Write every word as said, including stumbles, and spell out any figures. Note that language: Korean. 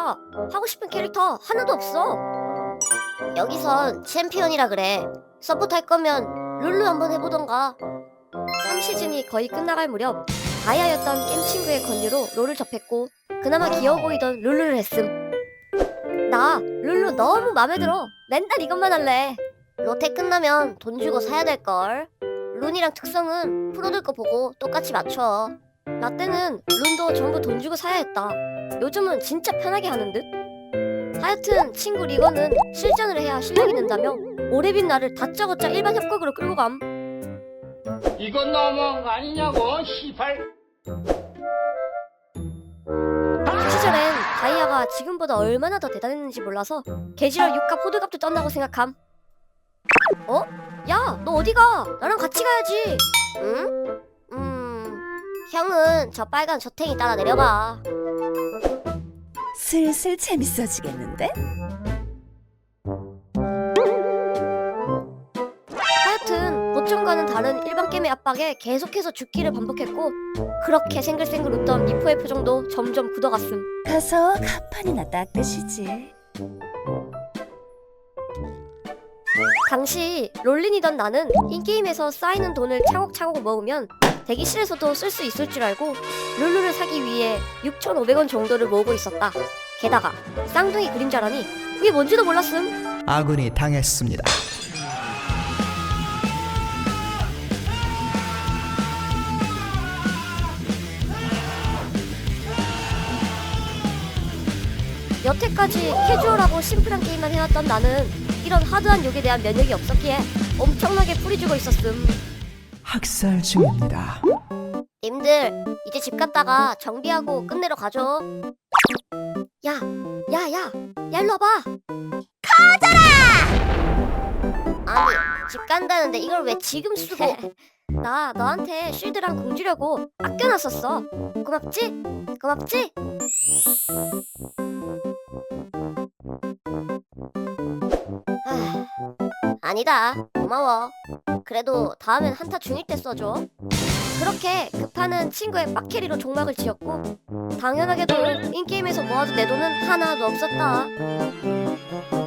나 하고 싶은 캐릭터 하나도 없어. 여기선 챔피언이라 그래. 서포트 할 거면 룰루 한번 해보던가. 삼 시즌이 거의 끝나갈 무렵 다이아였던 게임 친구의 권유로 롤을 접했고 그나마 귀여워 보이던 룰루를 했음. 나 룰루 너무 맘에 들어. 맨날 이것만 할래. 로테 끝나면 돈 주고 사야 될걸. 룬이랑 특성은 프로들 거 보고 똑같이 맞춰. 나 때는 룬도 전부 돈 주고 사야 했다. 요즘은 진짜 편하게 하는 듯. 하여튼 친구 리거는 실전을 해야 실력이 는다며 오래빈 나를 다짜고짜 일반 협곡으로 끌고 감. 이건 너무한 거 아니냐고, 시발. 그 시절엔 다이아가 지금보다 얼마나 더 대단했는지 몰라서 개지랄 육값 호들갑도 떴다고 생각함. 어? 야, 너 어디가? 나랑 같이 가야지. 응? 음... 형은 저 빨간 저탱이 따라 내려봐. 슬슬 재밌어지겠는데? 하여튼 보통과는 다른 일반 게임의 압박에 계속해서 죽기를 반복했고 그렇게 생글생글 웃던 미포의 표정도 점점 굳어갔음. 가서 간판이나 닦으시지. 당시 롤린이던 나는 인게임에서 쌓이는 돈을 차곡차곡 모으면 대기실에서도 쓸 수 있을 줄 알고 룰루를 사기 위해 육천오백 원 정도를 모으고 있었다. 게다가 쌍둥이 그림자라니 그게 뭔지도 몰랐음. 아군이 당했습니다. 여태까지 캐주얼하고 심플한 게임만 해왔던 나는 이런 하드한 욕에 대한 면역이 없었기에 엄청나게 뿌리주고 있었음. 학살 중입니다. 님들 이제 집 갔다가 정비하고 끝내러 가죠. 야, 야, 야, 야 일로 와봐. 커져라! 아니 집 간다는데 이걸 왜 지금 쓰고? 나 너한테 쉴드랑 공 주려고 아껴놨었어. 고맙지? 고맙지? 아, 아니다. 고마워. 그래도 다음엔 한타 중일 때 써줘. 그렇게 급하는 친구의 빡캐리로 종막을 지었고 당연하게도 인게임에서 모아둔 내 돈은 하나도 없었다.